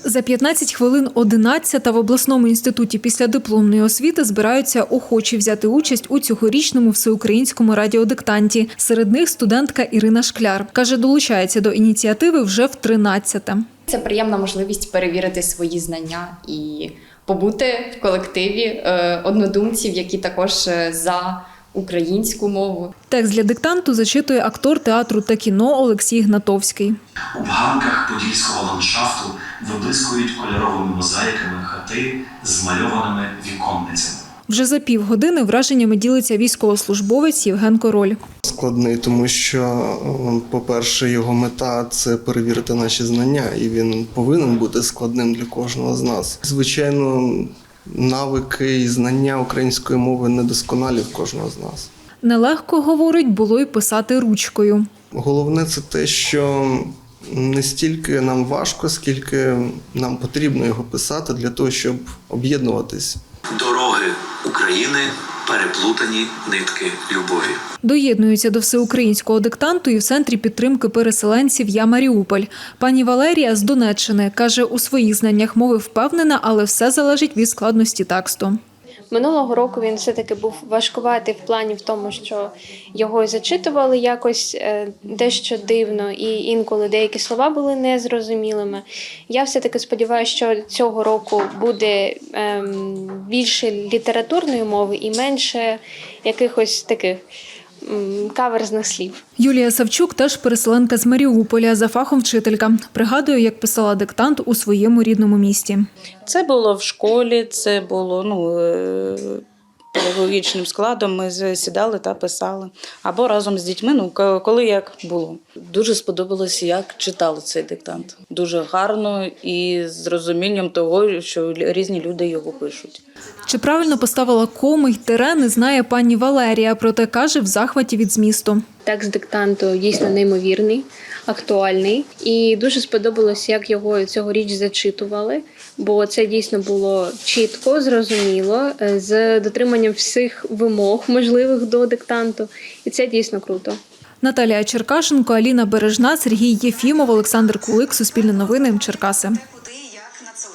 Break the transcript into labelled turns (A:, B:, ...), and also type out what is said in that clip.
A: За 15 хвилин 11 в обласному інституті післядипломної освіти збираються охочі взяти участь у цьогорічному всеукраїнському радіодиктанті. Серед них студентка Ірина Шкляр. Каже, долучається до ініціативи вже в 13-те.
B: Це приємна можливість перевірити свої знання і побути в колективі однодумців, які також за українську мову.
A: Текст для диктанту зачитує актор театру та кіно Олексій Гнатовський.
C: У ганках подільського ландшафту виблискують кольоровими мозаїками хати з змальованими віконницями.
A: Вже за півгодини враженнями ділиться військовослужбовець Євген Король.
D: Складний, тому що, по-перше, його мета – це перевірити наші знання, і він повинен бути складним для кожного з нас. Звичайно, навики і знання української мови недосконалі в кожного з нас.
A: Нелегко, говорить, було й писати ручкою.
D: Головне – це те, що не стільки нам важко, скільки нам потрібно його писати для того, щоб об'єднуватись.
C: Дороги України – переплутані нитки любові.
A: Доєднуються до всеукраїнського диктанту і в Центрі підтримки переселенців «Я Маріуполь». Пані Валерія з Донеччини каже, у своїх знаннях мови впевнена, але все залежить від складності тексту.
E: Минулого року він все-таки був важкуватий в плані в тому, що його зачитували якось дещо дивно, і інколи деякі слова були незрозумілими. Я все-таки сподіваюся, що цього року буде більше літературної мови і менше якихось таких каверзних слів.
A: Юлія Савчук теж переселенка з Маріуполя, за фахом вчителька. Пригадує, як писала диктант у своєму рідному місті.
F: Це було в школі, це було педагогічним складом. Ми сідали та писали. Або разом з дітьми, коли як було.
G: Дуже сподобалося, як читали цей диктант. Дуже гарно і з розумінням того, що різні люди його пишуть.
A: Чи правильно поставила коми й тире, не знає пані Валерія, проте каже, в захваті від змісту.
E: Текст диктанту дійсно неймовірний, актуальний. І дуже сподобалось, як його цьогоріч зачитували, бо це дійсно було чітко, зрозуміло, з дотриманням всіх вимог можливих до диктанту. І це дійсно круто.
A: Наталія Черкашенко, Аліна Бережна, Сергій Єфімов, Олександр Кулик. Суспільне новини. Черкаси.